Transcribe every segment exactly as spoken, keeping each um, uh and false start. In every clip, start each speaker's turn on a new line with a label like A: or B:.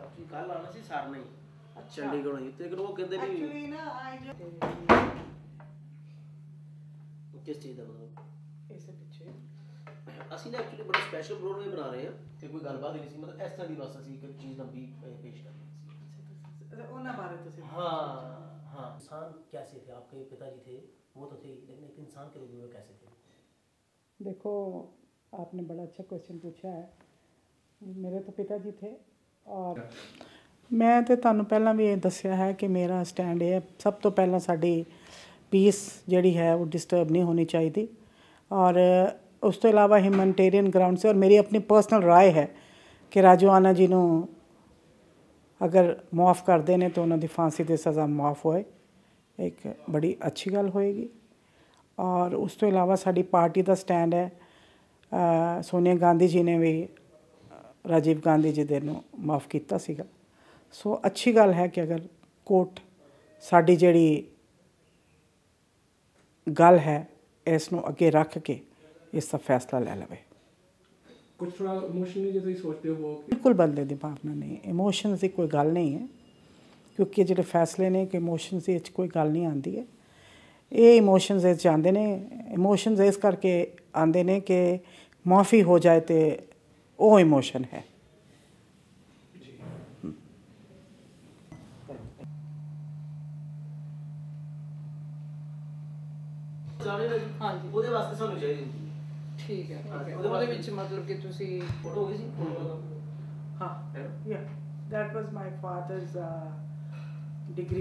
A: कल आना सी सर नहीं चंडीगढ़ ही लेकिन वो कहते भी एक्चुअली ना आई किस चीज़ का मतलब इसे पीछे ਅਸੀਂ ਨਾ ਐਕਚੁਅਲੀ ਬੜਾ ਸਪੈਸ਼ਲ ਪ੍ਰੋਗਰਾਮ ਬਣਾ ਰਹੇ ਹਾਂ ਤੇ ਕੋਈ ਗੱਲਬਾਤ ਨਹੀਂ ਸੀ ਮਤਲਬ ਇਸ ਤਰ੍ਹਾਂ ਦੀ ਬਸ ਅਸੀਂ ਇੱਕ ਚੀਜ਼ ਲੰਬੀ ਪੇਸ਼ ਕਰਨੀ ਸੀ ਉਹਨਾਂ ਬਾਰੇ ਤੁਸੀਂ हाँ हाँ इंसान कैसे थे आपके पिताजी थे वो तो थे लेकिन एक इंसान के लिए वो कैसे थे
B: देखो आपने बड़ा अच्छा क्वेश्चन पूछा है मेरे तो पिताजी थे और मैं तो ਤੁਹਾਨੂੰ ਪਹਿਲਾਂ ਵੀ ਇਹ ਦੱਸਿਆ ਹੈ ਕਿ ਮੇਰਾ ਸਟੈਂਡ ਇਹ ਹੈ ਸਭ ਤੋਂ ਪਹਿਲਾਂ ਸਾਡੀ ਪੀਸ ਜਿਹੜੀ ਹੈ ਉਹ ਡਿਸਟਰਬ ਨਹੀਂ ਹੋਣੀ ਚਾਹੀਦੀ और उस तो इलावा ह्यूमैनिटेरियन ग्राउंड से और मेरी अपनी पर्सनल राय है कि राजोआना जी ਨੂੰ अगर मुआफ़ करते हैं तो उन्होंने फांसी की सज़ा मुआफ़ होए एक बड़ी अच्छी गल होएगी और उस तो इलावा साड़ी पार्टी का स्टैंड है आ, सोनिया गांधी जी ने भी राजीव गांधी जी दे माफ़ किया सीगा सो अच्छी गल है कि अगर कोर्ट साड़ी जिहड़ी गल है इसनों अगे रख के इसका फैसला ले लवे
C: कुछ थोड़ा इमोशनली जो सोचते हो वो
B: बिल्कुल बंदे की भावना नहीं इमोशनस की कोई गल नहीं है क्योंकि जो फैसले ने कि इमोशनस की कोई गल नहीं आती है ये इमोशनस इस आते हैं इमोशनस इस करके आते हैं कि माफ़ी हो जाए तो वो इमोशन है
A: हाँ जी ਉਹਦੇ ਵਾਸਤੇ ਸਾਨੂੰ ਚਾਹੀਦੀ
D: ठीक है ਉਹਦੇ ਵਿੱਚ ਮਤਲਬ ਕਿ ਤੁਸੀਂ
A: ਫੋਟੋ ਹੋ ਗਈ ਸੀ
B: हाँ yeah that was my father's uh, degree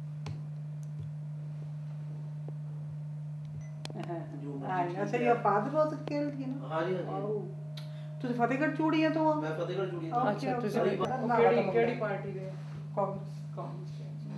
B: अच्छा your father was killed you know
A: हाँ जी हाँ जी
B: ਤੁਸੀਂ ਫਤਿਹਗੜ੍ਹ ਚੂੜੀਆਂ ਤੋਂ ਆ
A: ਮੈਂ ਫਤਿਹਗੜ੍ਹ ਚੂੜੀ ਤੋਂ
D: ਅੱਛਾ ਤੁਸੀਂ ਕਿਹੜੀ ਕਿਹੜੀ ਪਾਰਟੀ ਦੇ
B: ਕਾਂਗਰਸ
D: ਕਾਂਗਰਸ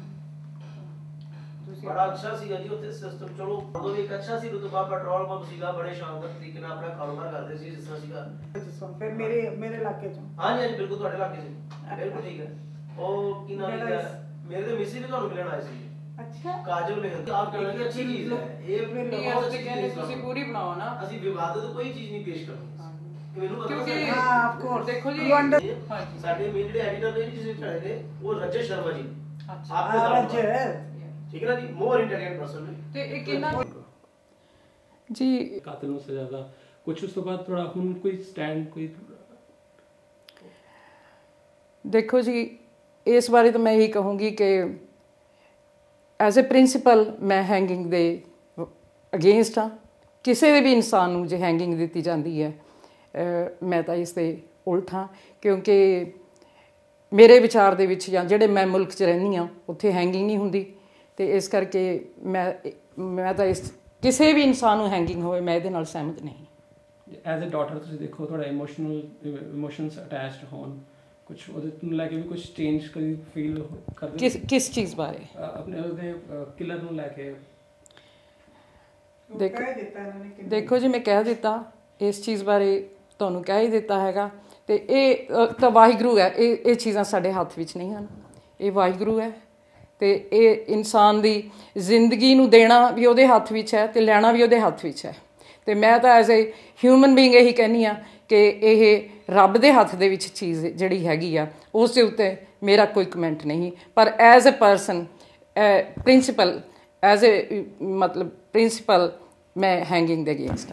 A: बड़ा अच्छा सीगा जी उत्थे सिस्टम चलो उदों भी एक अच्छा सी रुतबा पेट्रोल पंप सीगा बड़े शानदार तरीके नाल अपना कारोबार करते सी जिस तरह सीगा
B: ਜਿਸ ਵਾਰ ਫਿਰ ਮੇਰੇ ਮੇਰੇ ਇਲਾਕੇ ਚੋਂ
A: हाँ जी हाँ जी बिल्कुल ਤੁਹਾਡੇ ਇਲਾਕੇ से बिल्कुल ठीक है ਉਹ ਕੀ ਨਾਮ ਹੈ ਮੇਰੇ ਤੇ ਮਿਸੀ ਵੀ ਤੁਹਾਨੂੰ ਮਿਲਣ ਆਏ ਸੀ
B: ਅੱਛਾ
A: ਕਾਜਲ ਮਿਹਰ ਆਪ ਕਰਨਾ ਕਿ ਅੱਛੀ ਚੀਜ਼ ਹੈ ਇਹ
D: ਬਹੁਤ ਅੱਛੀ ਚੀਜ਼ ਤੁਸੀਂ ਪੂਰੀ ਬਣਾਓ ਨਾ
A: ਅਸੀਂ ਵਿਵਾਦਤ ਕੋਈ ਚੀਜ਼ ਨਹੀਂ ਪੇਸ਼ ਕਰਨੀ ਮੈਨੂੰ ਪਤਾ
D: ਕਿਉਂਕਿ
B: ਹਾਂ ਆਫ ਕੋਰਸ
D: ਦੇਖੋ ਜੀ
A: ਸਾਡੇ ਮੇਨ ਜਿਹੜੇ ਐਡੀਟਰ ਨੇ ਜਿਸ ਵਿੱਚ ਖੜੇ ਨੇ ਉਹ ਰਜਤ ਸ਼ਰਮਾ ਜੀ
D: ਅੱਛਾ
A: ਆਪਕੇ
B: ਰਜਤ
A: ठीक है ना जी मोर इंटेलिजेंट पर्सन है
D: ਤੇ ਇਹ ਕਿੰਨਾ ਜੀ
C: ਕਾਤਲ ਨੂੰ ਸਜ਼ਾ ਦਾ ਕੁਝ ਉਸ ਤੋਂ ਬਾਅਦ ਥੋੜਾ ਹੁਣ ਕੋਈ ਸਟੈਂਡ ਕੋਈ
D: ਦੇਖੋ ਜੀ ਇਸ ਬਾਰੇ ਤਾਂ ਮੈਂ ਇਹੀ ਕਹੂੰਗੀ ਕਿ ਐਜ਼ ਅ ਪ੍ਰਿੰਸੀਪਲ ਮੈਂ ਹੈਂਗਿੰਗ ਦੇ ਅਗੇਂਸਟ ਹਾਂ ਕਿਸੇ ਦੇ ਵੀ ਇਨਸਾਨ ਨੂੰ ਜੇ ਹੈਂਗਿੰਗ ਦਿੱਤੀ ਜਾਂਦੀ ਹੈ ਮੈਂ ਤਾਂ ਇਸ ਦੇ ਉਲਟ ਹਾਂ ਕਿਉਂਕਿ ਮੇਰੇ ਵਿਚਾਰ ਦੇ ਵਿੱਚ ਜਾਂ ਜਿਹੜੇ ਮੈਂ ਮੁਲਕ 'ਚ ਰਹਿੰਦੀ ਹਾਂ ਉੱਥੇ ਹੈਂਗਿੰਗ ਨਹੀਂ ਹੁੰਦੀ ਤੇ ਇਸ ਕਰਕੇ ਮੈਂ ਮੈਂ ਤਾਂ ਇਸ ਕਿਸੇ ਵੀ ਇਨਸਾਨ ਨੂੰ ਹੈਂਗਿੰਗ ਹੋਵੇ ਮੈਂ ਇਹਦੇ ਨਾਲ ਸਹਿਮਤ ਨਹੀਂ
C: ਐਜ਼ ਅ ਡਾਟਰ ਤੁਸੀਂ ਦੇਖੋ ਥੋੜਾ ਇਮੋਸ਼ਨਲ ਇਮੋਸ਼ਨਸ ਅਟੈਚਡ ਹੋਣ ਕੁਝ ਉਹਦੇ ਨੂੰ ਲੈ ਕੇ ਵੀ ਕੁਝ ਚੇਂਜ ਕਰੀ ਫੀਲ ਕਰਦੇ
D: ਕਿਸ ਕਿਸ ਚੀਜ਼ ਬਾਰੇ
C: ਆਪਣੇ ਉਹਦੇ ਕਿਲਰ ਨੂੰ ਲੈ ਕੇ
D: ਦੇਖੋ ਦੇਖੋ ਜੀ ਮੈਂ ਕਹਿ ਦਿੱਤਾ ਇਸ ਚੀਜ਼ ਬਾਰੇ ਤੁਹਾਨੂੰ ਕਹਿ ਹੀ ਦਿੱਤਾ ਹੈਗਾ ਤੇ ਇਹ ਤਾਂ ਵਾਹਿਗੁਰੂ ਹੈ ਇਹ ਇਹ ਚੀਜ਼ਾਂ ਸਾਡੇ ਹੱਥ ਵਿੱਚ ਨਹੀਂ ਹਨ ਇਹ ਵਾਹਿਗੁਰੂ ਹੈ ਤੇ ਇਹ ਇਨਸਾਨ ਦੀ ਜ਼ਿੰਦਗੀ ਨੂੰ ਦੇਣਾ ਵੀ ਉਹਦੇ ਹੱਥ ਵਿੱਚ ਹੈ ਤੇ ਲੈਣਾ ਵੀ ਉਹਦੇ ਹੱਥ ਵਿੱਚ ਹੈ ਤੇ ਮੈਂ ਤਾਂ ਐਜ਼ ਅ ਹਿਊਮਨ ਬੀਇੰਗ ਇਹੀ ਕਹਿੰਦੀ ਹਾਂ ਕਿ ਇਹ ਰੱਬ ਦੇ ਹੱਥ ਦੇ ਵਿੱਚ ਚੀਜ਼ ਜਿਹੜੀ ਹੈਗੀ ਆ ਉਸ ਦੇ ਉੱਤੇ ਮੇਰਾ ਕੋਈ ਕਮੈਂਟ ਨਹੀਂ ਪਰ as a person principal as a ਮਤਲਬ ਪ੍ਰਿੰਸੀਪਲ ਮੈਂ ਹੈਂਗਿੰਗ ਦੇ ਅਗੇਂਸਟ ਹਾਂ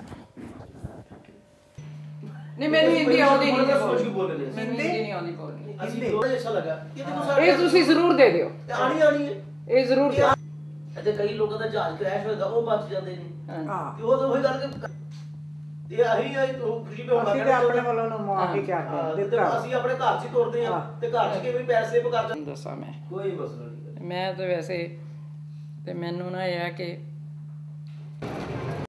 D: ਨਹੀਂ ਮੈਨੂੰ ਹਿੰਦੀ ਆਉਂਦੀ ਨਹੀਂ ਮੈਨੂੰ ਹਿੰਦੀ ਨਹੀਂ ਆਉਂਦੀ ਬੋਲਣੀ
A: ਅਸੀਂ ਥੋੜਾ ਜਿਹਾ ਅੱਛਾ ਲੱਗਾ
D: ਇਹ ਤੁਸੀਂ ਜ਼ਰੂਰ ਦੇ ਦਿਓ
A: ਆਣੀ ਆਣੀ ਹੈ
D: ਇਹ ਜ਼ਰੂਰ
A: ਤੇ ਕਈ ਲੋਕਾਂ ਦਾ ਜਹਾਜ਼ ਕ੍ਰੈਸ਼ ਹੋਇਆ ਉਹ ਬਚ ਜਾਂਦੇ ਨੇ
B: ਹਾਂ
A: ਤੇ ਉਹ ਤਾਂ ਉਹੀ ਗੱਲ ਕਿ ਤੇ ਆਹੀ ਆਈ ਤੋਂ ਖੁਸ਼ੀ ਤੇ ਹੋਣਾ
B: ਅਸੀਂ ਤੇ ਆਪਣੇ ਵੱਲੋਂ ਨੂੰ ਮਾਫੀ ਕਰਦੇ ਦਿੱਤਾ
A: ਅਸੀਂ ਆਪਣੇ ਘਰ 'ਚ ਹੀ ਤੁਰਦੇ ਆ ਤੇ ਘਰ 'ਚ ਕਿਵੇਂ ਪੈਸੇ ਸੇਵ ਕਰ ਜਾਂਦੇ
D: ਦੱਸਾਂ ਮੈਂ
A: ਕੋਈ ਮਸਲਾ ਨਹੀਂ
D: ਮੈਂ ਤਾਂ ਵੈਸੇ ਤੇ ਮੈਨੂੰ ਨਾ ਇਹ ਹੈ ਕਿ